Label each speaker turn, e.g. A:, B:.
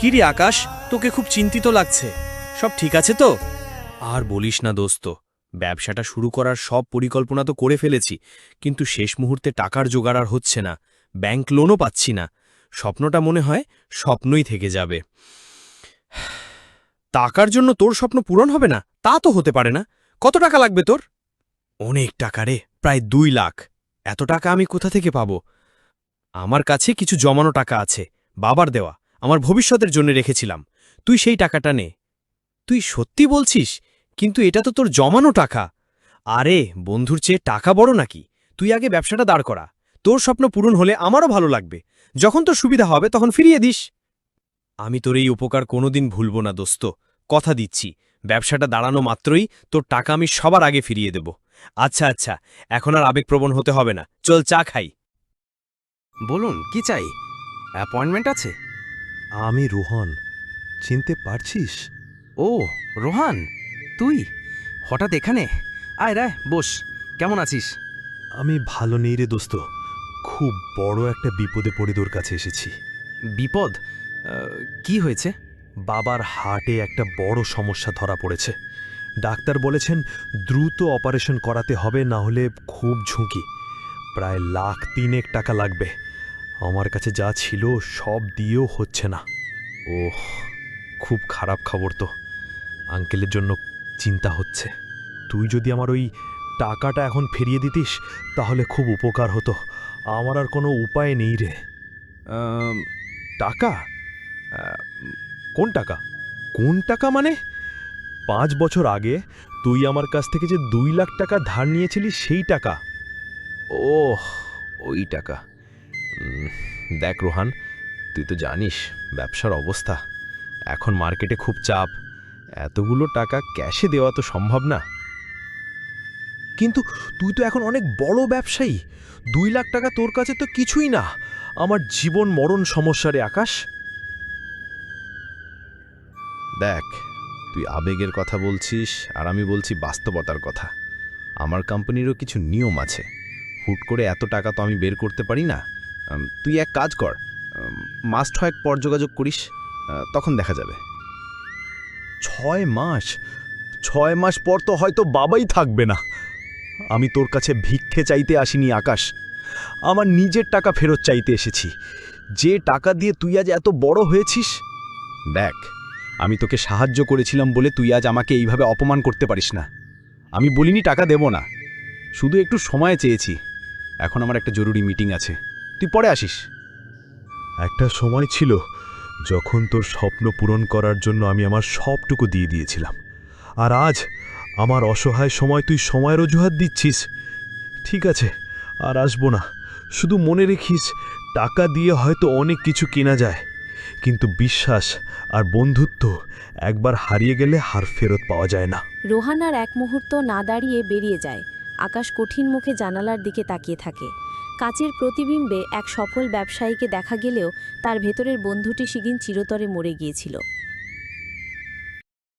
A: কিরে আকাশ, তোকে খুব চিন্তিত লাগছে। সব ঠিক আছে তো? আর বলিস না দোস্ত, ব্যবসাটা শুরু করার সব পরিকল্পনা তো করে ফেলেছি, কিন্তু শেষ মুহূর্তে টাকার জোগাড় আর হচ্ছে না। ব্যাংক লোনও পাচ্ছি না। স্বপ্নটা মনে হয় স্বপ্নই থেকে যাবে। টাকার জন্য তোর স্বপ্ন পূরণ হবে না তা তো হতে পারে না। কত টাকা লাগবে তোর? অনেক টাকা রে, প্রায় 2 লাখ। এত টাকা আমি কোথা থেকে পাব? আমার কাছে কিছু জমানো টাকা আছে, বাবার দেওয়া, আমার ভবিষ্যতের জন্য রেখেছিলাম। তুই সেই টাকাটা নে। তুই সত্যি বলছিস? কিন্তু এটা তো তোর জমানো টাকা। আরে বন্ধুর চেয়ে টাকা বড় নাকি? তুই আগে ব্যবসাটা দাঁড় করা। তোর স্বপ্ন পূরণ হলে আমারও ভালো লাগবে। যখন তোর সুবিধা হবে তখন ফিরিয়ে দিস। আমি তোর এই উপকার কোনোদিন ভুলব না দোস্ত, কথা দিচ্ছি। ব্যবসাটা দাঁড়ানো মাত্রই তোর টাকা আমি সবার আগে ফিরিয়ে দেব। আচ্ছা আচ্ছা, এখন আর আবেগপ্রবণ হতে হবে না, চল চা খাই।
B: বলুন কি চাই? অ্যাপয়েন্টমেন্ট আছে?
C: আমি রোহন, চিনতে পারছিস?
B: ও রোহান, তুই হঠাৎ এখানে? আয় রায় বস। কেমন আছিস?
C: আমি ভালো নেই রে দোস্ত, খুব বড় একটা বিপদে পড়ে তোর কাছে এসেছি।
B: বিপদ? কি হয়েছে?
C: বাবার হার্টে একটা বড় সমস্যা ধরা পড়েছে। ডাক্তার বলেছেন দ্রুত অপারেশন করাতে হবে, না হলে খুব ঝুঁকি। প্রায় 1,03,000 টাকা লাগবে। আমার কাছে যা ছিল সব দিয়েও হচ্ছে না। ওহ, খুব খারাপ খবর তো। আঙ্কেলের জন্য চিন্তা হচ্ছে। তুই যদি আমার ওই টাকাটা এখন ফিরিয়ে দিতিস তাহলে খুব উপকার হতো। আমার আর কোনো উপায় নেই রে।
B: আম,
C: টাকা? কোন টাকা? কোন টাকা মানে? 5 বছর আগে তুই আমার কাছ থেকে যে 2 লাখ টাকা ধার নিয়েছিলি সেই টাকা। ওহ, ওই টাকা। উম, দেখ রোহান, তুই তো জানিস ব্যবসার অবস্থা। এখন মার্কেটে খুব চাপ। এতগুলো টাকা ক্যাশে দেওয়া তো সম্ভব না। কিন্তু তুই তো এখন অনেক বড় ব্যবসায়ী। 2 লাখ টাকা তোর কাছে তো কিছুই না। আমার জীবন মরণ সমস্যা রে আকাশ।
D: দেখ, তুই আবেগের কথা বলছিস আর আমি বলছি বাস্তবতার কথা। আমার কোম্পানিরও কিছু নিয়ম আছে। হুট করে এত টাকা তো আমি বের করতে পারি না। তুই এক কাজ কর, মাস 6 পর যোগাযোগ করিস, তখন দেখা যাবে।
C: 6 মাস? 6 মাস পর তো হয়তো বাবাই থাকবে না। আমি তোর কাছে ভিক্ষে চাইতে আসিনি আকাশ, আমার নিজের টাকা ফেরত চাইতে এসেছি। যে টাকা দিয়ে তুই আজ এত বড় হয়েছিস।
D: দেখ, আমি তোকে সাহায্য করেছিলাম বলে তুই আজ আমাকে এইভাবে অপমান করতে পারিস না। আমি বলিনি টাকা দেব না, শুধু একটু সময় চেয়েছি। এখন আমার একটা জরুরি মিটিং আছে, তুই পরে আসিস।
C: একটা সময় ছিল যখন তোর স্বপ্ন পূরণ করার জন্য আমি আমার সবটুকু দিয়ে দিয়েছিলাম, আর আজ আমার অসহায় সময় তুই সময়ের অজুহাত দিচ্ছিস। ঠিক আছে, আর আসবো না। শুধু মনে রেখিস, টাকা দিয়ে হয়তো অনেক কিছু কেনা যায়, কিন্তু বিশ্বাস আর বন্ধুত্ব একবার হারিয়ে গেলে হার ফেরত পাওয়া যায় না।
E: রোহান আর এক মুহূর্ত না দাঁড়িয়ে বেরিয়ে যায়। আকাশ কঠিন মুখে জানালার দিকে তাকিয়ে থাকে। কাচের প্রতিবিম্বে এক সফল ব্যবসায়ীকে দেখা গেলেও তার ভেতরের বন্ধুটি সেদিন চিরতরে মরে গিয়েছিল।